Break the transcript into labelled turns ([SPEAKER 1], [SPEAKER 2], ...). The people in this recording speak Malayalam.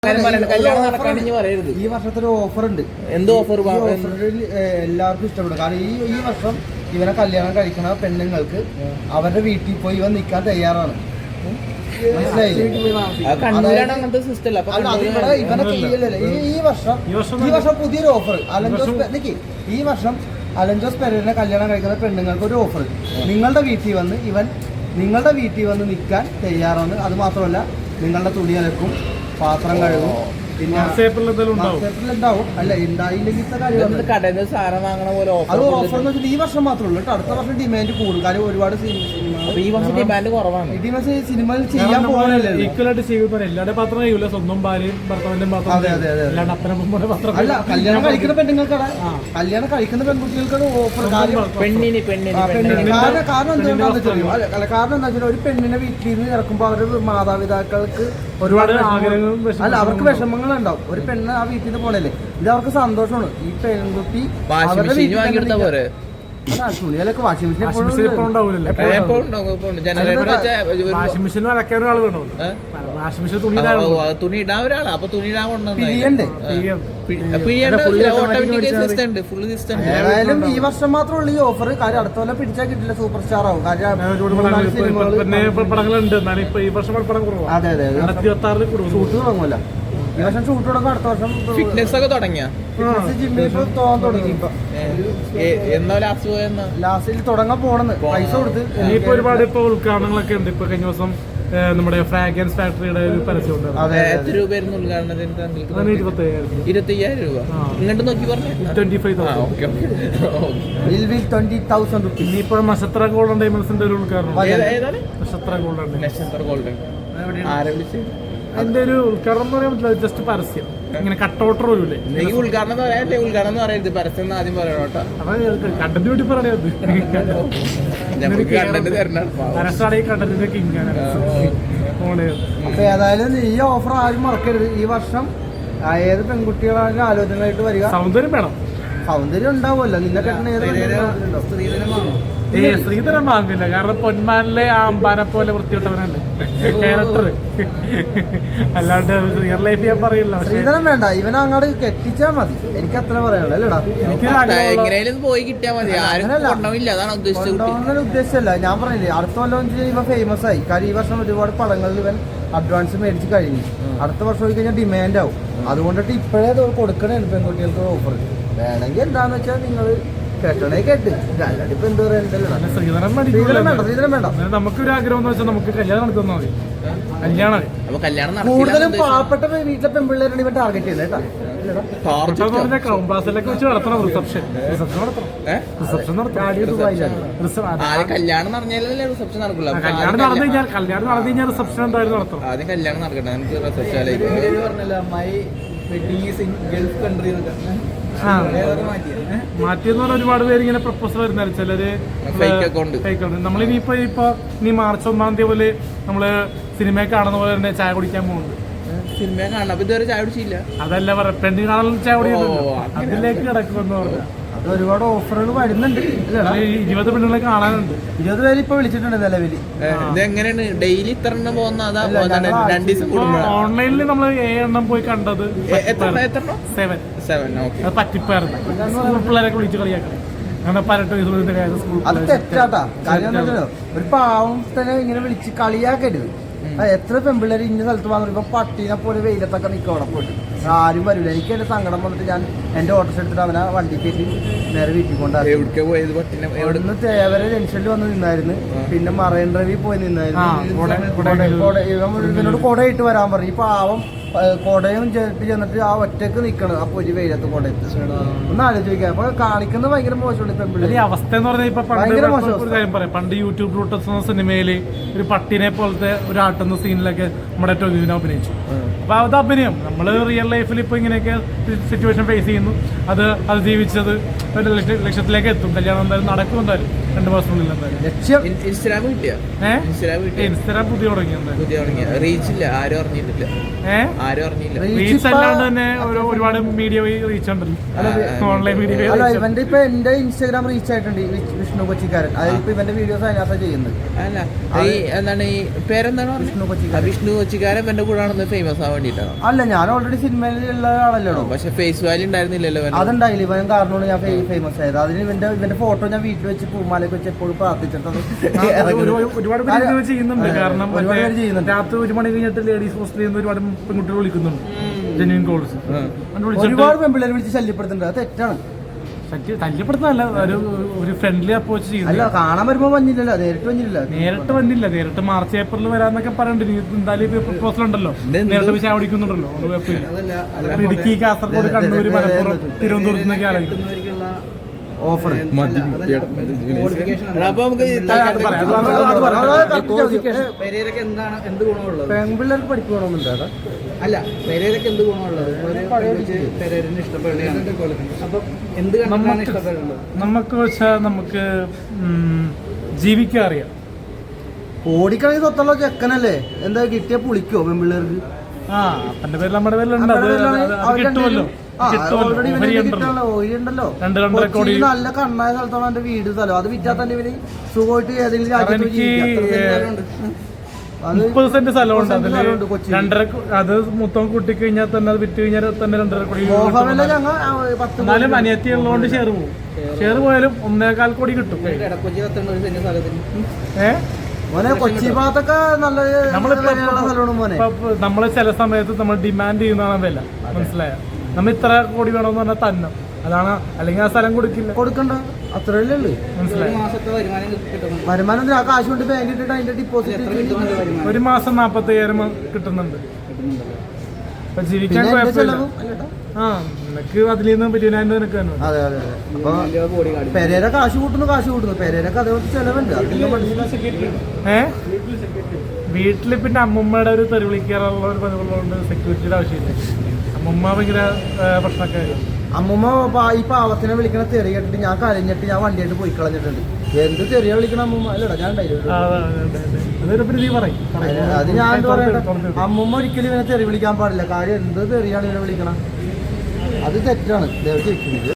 [SPEAKER 1] ഈ വർഷത്തെ ഓഫർ ഉണ്ട്.
[SPEAKER 2] എന്തോ ഓഫർ?
[SPEAKER 1] എല്ലാവർക്കും ഇഷ്ടപ്പെടും. കാരണം ഈ വർഷം ഇവനെ കല്യാണം കഴിക്കണ പെണ്ണുങ്ങൾക്ക് അവരുടെ വീട്ടിൽ പോയി ഇവൻ നിൽക്കാൻ തയ്യാറാണ്. ഈ വർഷം പുതിയൊരു ഓഫർ ഈ വർഷം അലൻജോസ് പെരേരനെ കല്യാണം കഴിക്കുന്ന പെണ്ണുങ്ങൾക്ക് ഒരു ഓഫർ. നിങ്ങളുടെ വീട്ടിൽ വന്ന് നിൽക്കാൻ തയ്യാറാണ്. അത് മാത്രമല്ല നിങ്ങളുടെ തുണി അലക്കും, പാത്രം കഴുകും, പിന്നെ ഉണ്ടാവും. അല്ല ഉണ്ടായില്ലെങ്കിൽ അത് ഓഫർ എന്ന് വെച്ചാൽ ഈ വർഷം മാത്രമേ ഉള്ളൂ കേട്ടോ. അടുത്ത വർഷം ഡിമാൻഡ് കൂടും. കാര്യം ഒരുപാട്
[SPEAKER 2] ഡിമാൻഡ് കുറവാണ്.
[SPEAKER 1] സിനിമയിൽ ചെയ്യാൻ പോകാനല്ലേ അല്ല കല്യാണം കഴിക്കുന്ന പെണ്ണുങ്ങൾക്കാണ്, കല്യാണം കഴിക്കുന്ന പെൺകുട്ടികൾക്കാണ് ഓഫർ. കാരണം എന്താണെന്ന് വെച്ചാൽ ഒരു പെണ്ണിനെ വീട്ടിൽ നിന്ന് ഇറക്കുമ്പോൾ അവരുടെ മാതാപിതാക്കൾക്ക് ഒരുപാട് അല്ല അവർക്ക് വിഷമങ്ങൾ ഉണ്ടാവും. ഒരു പെണ്ണ് ആ വീട്ടിൽ നിന്ന് പോണല്ലേ, ഇത് അവർക്ക് സന്തോഷമാണ്. ഈ പെൺകുട്ടി തുണികളൊക്കെ വാഷിംഗ് മെഷീൻ
[SPEAKER 2] തുണി ഇടാൻ ഒരാളാ. അപ്പൊ തുണി ഇടാൻ
[SPEAKER 1] ഏതായാലും ഈ വർഷം മാത്രമേ ഉള്ളൂ ഈ ഓഫർ. കാര്യം അടുത്ത കൊല്ലം പിടിച്ചാൽ കിട്ടില്ല, സൂപ്പർ സ്റ്റാർ ആവും. കാര്യം അതെ അതെ ഷൂട്ട് തുടങ്ങുമല്ലോ. ഈ വർഷം ഷൂട്ട് തുടങ്ങും. അടുത്ത വർഷം
[SPEAKER 2] ഫിറ്റ്നസ് ഒക്കെ തുടങ്ങിയ
[SPEAKER 1] ജിമ്മിൽ തോന്നാൻ തുടങ്ങി. ലാസ്റ്റിൽ തുടങ്ങാൻ പോണെന്ന് പൈസ കൊടുത്ത്
[SPEAKER 3] ഇനിയിപ്പോ ഒരുപാട് ഇപ്പൊ ഉദ്ഘാടനങ്ങളൊക്കെ ഉണ്ട്. ഇപ്പൊ കഴിഞ്ഞ ദിവസം നമ്മുടെ ഫ്രാഗ്രൻസ് ഫാക്ടറിയുടെ ഒരു പരസ്യം ഉണ്ട്.
[SPEAKER 2] എത്ര രൂപയായിരുന്നു ഉദ്ഘാടനത്തിന്? 25,000 രൂപ. ഇങ്ങോട്ട് നോക്കി പറഞ്ഞു
[SPEAKER 1] 25,000 റുപ്പീസ്.
[SPEAKER 3] ഇനിയിപ്പോ നക്ഷത്ര ഗോൾഡൻ ഡയമണ്ട്സിന്റെ ഒരു ഉദ്ഘാടനം.
[SPEAKER 2] നക്ഷത്ര ഗോൾഡൻ ആരെ വിളിച്ച്
[SPEAKER 3] അതിന്റെ ഒരു ഉദ്ഘാടനം എന്ന് പറയാൻ പറ്റില്ല, ജസ്റ്റ് പരസ്യം. ഇങ്ങനെ കട്ടൗട്ടർ വരൂലേ?
[SPEAKER 2] ഉദ്ഘാടനം പറയാല്ലേ? ഉദ്ഘാടനം എന്ന് പറയരുത്, പരസ്യം ആദ്യം പറയണോ.
[SPEAKER 3] കണ്ടന്റ് വേണ്ടി പറയരുത്. കണ്ടന്റിന്റെ കിങ്ങാണ്.
[SPEAKER 1] അപ്പൊ ഏതായാലും ഈ ഓഫർ ആരും മറക്കരുത്. ഈ വർഷം ഏത് പെൺകുട്ടികളാണെങ്കിലും ആലോചനകളായിട്ട് വരിക.
[SPEAKER 3] സൗന്ദര്യം വേണം.
[SPEAKER 1] സൗന്ദര്യം ഉണ്ടാവുമല്ലോ. നിന്നെ കെട്ടുന്ന
[SPEAKER 3] ശ്രീധരൻ വാങ്ങില്ല. കാരണം പൊന്മാനിലെ ആ അമ്പാനെ പോലെ വൃത്തിയിട്ടവനല്ലേ ക്യാരക്ടർ. അല്ലാണ്ട് റിയൽ ലൈഫ് ഞാൻ പറയില്ല.
[SPEAKER 1] ശ്രീധരൻ വേണ്ട, ഇവനെ അങ്ങോട്ട് കെട്ടിച്ചാ മതി. എനിക്ക് അത്ര പറയാനുള്ളൂ. അല്ലടാ
[SPEAKER 2] പോയി കിട്ടിയാൽ മതി.
[SPEAKER 1] ഉദ്ദേശിച്ചല്ല. ഞാൻ പറഞ്ഞില്ലേ അടുത്ത കൊല്ലം ഇവ ഫേമസ് ആയി. കാര്യം ഈ വർഷം ഒരുപാട് പടങ്ങളിൽ ഇവൻ അഡ്വാൻസ് മേടിച്ച് കഴിഞ്ഞു. അടുത്ത വർഷം പോയി കഴിഞ്ഞാൽ ഡിമാൻഡ് ആവും. അതുകൊണ്ടിട്ട് ഇപ്പോഴേ കൊടുക്കണേ പെൺകുട്ടികൾക്ക് ഓഫർ. വേണമെങ്കിൽ എന്താന്ന് വെച്ചാൽ നിങ്ങൾ കേട്ടണേ കേട്ട്. ഇപ്പൊ എന്താ പറയാ,
[SPEAKER 3] നമുക്കൊരു ആഗ്രഹം എന്ന് വെച്ചാൽ നമുക്ക് കല്യാണം നടത്തുന്ന മതി. കല്യാണം
[SPEAKER 1] കൂടുതലും പാവപ്പെട്ട വീട്ടിലെ പെൺപിള്ളേരാണ് ഇവൻ ടാർഗറ്റ് ചെയ്യുന്നത് കേട്ടോ.
[SPEAKER 3] ക്രൗൺ പ്ലാസിലൊക്കെ വെച്ച് നടത്തണം റിസപ്ഷൻ.
[SPEAKER 2] കല്യാണം നടന്നല്ലേ റിസപ്ഷൻ നടക്കില്ല.
[SPEAKER 3] കല്യാണം നടന്നു കഴിഞ്ഞാൽ റിസപ്ഷൻ എന്തായാലും നടത്തണം.
[SPEAKER 2] ആദ്യം കല്യാണം നടക്കട്ടെ, നമുക്ക് റിസപ്ഷൻ
[SPEAKER 3] മാറ്റിയെന്ന് പറഞ്ഞാൽ ഒരുപാട് പേര് ഇങ്ങനെ പ്രപ്പോസൽ വരുന്നല്ലോ. ചിലര് ഫേക്ക് അക്കൗണ്ട്. നമ്മളിനിയിപ്പോ ഇനി മാർച്ച് 1-ാം തീയതി പോലെ നമ്മള് സിനിമയെ കാണുന്ന പോലെ തന്നെ ചായ കുടിക്കാൻ പോകുന്നുണ്ട്.
[SPEAKER 2] സിനിമയെ കാണാം. അപ്പൊ ഇതുവരെ ചായ കുടിച്ചില്ല.
[SPEAKER 3] അതല്ല പറയാം, പെണ്ണിന് കാണാൻ ചായ കുടിക്കുന്നുണ്ട്. അതിലേക്ക് കിടക്കുമെന്ന് പറഞ്ഞാൽ
[SPEAKER 1] ഒരുപാട് ഓഫറുകൾ വരുന്നുണ്ട്.
[SPEAKER 3] 20 പെണ്ണുങ്ങളെ കാണാനുണ്ട്.
[SPEAKER 1] 20 പേര് ഇപ്പൊ വിളിച്ചിട്ടുണ്ട് നിലവിൽ.
[SPEAKER 2] ഇതെങ്ങനെയാണ് ഡെയിലി ഇത്ര എണ്ണം പോകുന്ന?
[SPEAKER 3] ഓൺലൈനിൽ നമ്മൾ 7 എണ്ണം പോയി കണ്ടത്. 7 പറ്റിപ്പായിരുന്നു. സ്കൂൾ പിള്ളേരൊക്കെ വിളിച്ച് കളിയാക്കണം. അങ്ങനെ 18 വയസ്സുള്ള കാര്യം സ്കൂൾ.
[SPEAKER 1] അത് തെറ്റാട്ടാ. കാര്യം ഒരു പാവത്തിനെ ഇങ്ങനെ വിളിച്ച് കളിയാക്കരുത്. എത്ര പെൺപിള്ളേർ ഇന്ന സ്ഥലത്ത് വന്നിട്ട് ഇപ്പൊ പട്ടീനെ പോലെ വെയിലത്തൊക്കെ നിൽക്കും അവിടെ പോയിട്ട്. ആരും വരില്ല. എനിക്ക് എന്റെ സങ്കടം വന്നിട്ട് ഞാൻ എന്റെ ഓട്ടോ എടുത്തിട്ട് അവനെ വണ്ടി കയറ്റി നേരെ വീട്ടിൽ കൊണ്ടാണ്. എവിടുന്ന് തേവരെ ജംഗ്ഷനിൽ വന്ന് നിന്നായിരുന്നു. പിന്നെ മറൈൻ ഡ്രൈവിൽ പോയി നിന്നായിരുന്നു. ഇവനോട് കൊടയിട്ട് വരാൻ പറഞ്ഞു. ഈ പാവം കൊടയും ചേർത്ത് ചെന്നിട്ട് ആ ഒറ്റക്ക് നിക്കണം. അപ്പൊ ഒരു വെയിലത്ത് കൊടയിട്ട് ഒന്ന് ആലോചിക്കാം. അപ്പൊ കാണിക്കുന്നത് ഭയങ്കര മോശമാണ് പെൺപിള്ളേർ.
[SPEAKER 3] അവസ്ഥ എന്ന് പറഞ്ഞാൽ ഇപ്പൊ പണ്ട് യൂട്യൂബ് റൂട്ടസ് എന്ന സിനിമയില് ഒരു പട്ടിനെ പോലത്തെ ഒരു ആട്ടുന്ന സീനിലൊക്കെ നമ്മുടെ ടൊവിനോ അഭിനയിച്ചു. അപ്പൊ അത് അഭിനയം. നമ്മള് റിയൽ ലൈഫിൽ ഇപ്പൊ ഇങ്ങനെയൊക്കെ സിറ്റുവേഷൻ ഫേസ് ചെയ്യുന്നു. അത് ജീവിച്ചത് ഒരു ലക്ഷ്യത്തിലേക്ക് എത്തും. കല്യാണം എന്തായാലും നടക്കും. എന്തായാലും 2 മാസത്തിനുള്ളിൽ എന്തായാലും.
[SPEAKER 1] ലക്ഷ്യം
[SPEAKER 2] ഇൻസ്റ്റാഗ്രാം കിട്ടിയ
[SPEAKER 3] ഇൻസ്റ്റാഗ്രാം പുതിയ തുടങ്ങി എന്തായാലും.
[SPEAKER 2] റീച്ചില്ല, ആരും അറിഞ്ഞിട്ടില്ല. ആരും അറിഞ്ഞില്ല.
[SPEAKER 3] റീച്ച് അല്ലാണ്ട് തന്നെ ഒരുപാട് മീഡിയ റീച്ച് ഉണ്ടല്ലോ, ഓൺലൈൻ മീഡിയ.
[SPEAKER 1] അല്ല ഇവന്റെ ഇപ്പൊ എന്റെ ഇൻസ്റ്റാഗ്രാം റീച്ച് ആയിട്ടുണ്ട് വിഷ്ണു കൊച്ചിക്കാരൻ. അതായത് ഇപ്പൊ ഇവന്റെ വീഡിയോസ് അതിനകത്ത് ചെയ്യുന്നത്.
[SPEAKER 2] അല്ല ഈ എന്താണ് ഈ പേരെന്താണ് വിഷ്ണു കൊച്ചിക്കാരൻ എന്റെ കൂടെ ആണെന്ന് ഫേമസ് ആവാൻ വേണ്ടിട്ടാണോ?
[SPEAKER 1] അല്ല ഞാൻ ഓൾറെഡി സിനിമയിലുള്ള ആളല്ലോ.
[SPEAKER 2] പക്ഷെ ഫേസ് വാല്യൂ ഉണ്ടായിരുന്നില്ലല്ലോ.
[SPEAKER 1] അതുണ്ടായില്ല, ഇവൻ കാരണമാണ് ഞാൻ ഫേമസ് ആയത്. അതിന് ഇവന്റെ ഫോട്ടോ ഞാൻ വീട്ടിൽ വെച്ച് പൂമാലയൊക്കെ വെച്ച് എപ്പോഴും പ്രാർത്ഥിച്ചിട്ടത്.
[SPEAKER 3] ഒരുപാട് പേര് ചെയ്യുന്നുണ്ട്. കാരണം രാത്രി 1 മണി കഴിഞ്ഞിട്ട് ലേഡീസ് ഹോസ്റ്റലിൽ നിന്ന് ഒരുപാട് പെൺകുട്ടികൾ വിളിക്കുന്നുണ്ട്, ജെന്യൂൻ കോൾസ്.
[SPEAKER 1] ഒരുപാട് പെൺപിള്ളേരെ വിളിച്ച് ശല്യപ്പെടുത്തുന്നുണ്ട്. അത് തെറ്റാണ്.
[SPEAKER 3] ശല്യപ്പെടുത്തുന്നതല്ല, ഒരു ഫ്രണ്ട്ലി അപ്രോച്ച് ചെയ്യുന്നത്.
[SPEAKER 1] അല്ല കാണാൻ വരുമ്പോ വന്നില്ലല്ലോ, നേരിട്ട് വന്നില്ല.
[SPEAKER 3] നേരിട്ട് മാർച്ച് ഏപ്രിൽ വരാന്നൊക്കെ പറയുന്നുണ്ട്. എന്തായാലും പ്രപ്പോസൽ ഉണ്ടല്ലോ, നേരത്തെ ചായ കുടിക്കുന്നുണ്ടല്ലോ. ഇടുക്കി, കാസർഗോഡ്, കണ്ണൂർ, മലപ്പുറം, തിരുവനന്തപുരത്ത് നിന്നൊക്കെ ആലോചിക്കും
[SPEAKER 1] ഓഫർ. പെൺപിള്ളേർക്ക് പഠിക്കണമെന്നുണ്ടോ?
[SPEAKER 2] അല്ല, പെരേരക്ക് എന്ത് ഗുണമുള്ളത്? പെരേരന്
[SPEAKER 3] നമുക്ക് വെച്ചാൽ നമുക്ക് ജീവിക്കാൻ അറിയാം.
[SPEAKER 1] ഓടിക്കണമെങ്കിൽ സ്വത്തുള്ള ചെക്കനല്ലേ, എന്താ കിട്ടിയ പുളിക്കോ പെൺപിള്ളേർക്ക്?
[SPEAKER 3] അപ്പന്റെ പേര് നമ്മുടെ പേരിലുണ്ട്, അത് കിട്ടുമല്ലോ.
[SPEAKER 1] നല്ല കണ്ണായ സ്ഥലത്താണ് എന്റെ വീട് സ്ഥലം. അത് വിറ്റാ തന്നെ ഇവര് സുഖമായിട്ട് ഏതെങ്കിലും രാജ്യത്ത്
[SPEAKER 3] 30 സെന്റ് സ്ഥലമുണ്ട്. അതില് 2.5 അത് മൊത്തം കൂട്ടി കഴിഞ്ഞാൽ തന്നെ അത് വിറ്റ് കഴിഞ്ഞാൽ തന്നെ 2.5 കോടി. എന്നാലും അനിയത്തി ഉള്ളതുകൊണ്ട് ഷെയർ പോകും. ഷെയർ പോയാലും 1.25 കോടി കിട്ടും.
[SPEAKER 1] കൊച്ചി ഭാഗത്തൊക്കെ നല്ല
[SPEAKER 3] നമ്മള് ചില സമയത്ത് നമ്മൾ ഡിമാൻഡ് ചെയ്യുന്നതാണ് വില. മനസ്സിലായ? നമ്മ ഇത്ര കോടി വേണമെന്ന് പറഞ്ഞാൽ തന്നെ അതാണ്, അല്ലെങ്കിൽ ആ സ്ഥലം കൊടുക്കണ്ട.
[SPEAKER 1] അത്രയല്ലേ ഉള്ളു.
[SPEAKER 3] മനസ്സിലായി?
[SPEAKER 1] വരുമാനം കാശ് കൊണ്ട് ബാങ്ക് ഇട്ടിട്ട് അതിന്റെ ഡിപ്പോസിറ്റ്
[SPEAKER 3] ഒരു മാസം 45,000 കിട്ടുന്നുണ്ട്. അപ്പൊ ജീവിക്കാൻ കുഴപ്പമില്ല. നിനക്ക് അതിൽ നിന്ന് 20,000 നിനക്ക് തന്നെ.
[SPEAKER 1] അതെ. അപ്പൊ പെരേര കാശ് കൂട്ടുന്നു. പെരേരക്ക് അതേപോലെ ചെലവുണ്ട്.
[SPEAKER 3] വീട്ടില് പിന്നെ അമ്മൂമ്മയുടെ ഒരു തെറി വിളിക്കാറുള്ള ഒരു പതിവുള്ളതുകൊണ്ട് സെക്യൂരിറ്റിയുടെ ആവശ്യമില്ല. അമ്മൂമ്മ ഭയങ്കര പ്രശ്നക്കാരി.
[SPEAKER 1] അമ്മൂമ്മ ഈ പാവത്തിനെ വിളിക്കണ തെറി കേട്ടിട്ട് ഞാൻ കരഞ്ഞിട്ട് ഞാൻ വണ്ടിയായിട്ട് പോയി കളഞ്ഞിട്ടുണ്ട്. എന്ത് തെറിയ വിളിക്കണ അമ്മൂമ്മ? അല്ലടാ ഞാൻ അത് ഞാൻ എന്താ പറയട്ടെ, അമ്മൂമ്മ ഒരിക്കലും ഇവനെ തെറി വിളിക്കാൻ പാടില്ല. കാര്യം എന്ത് തെറിയാണ് ഇവനെ വിളിക്കണം, അത് തെറ്റാണ്. ദയവ് ചെയ്ത്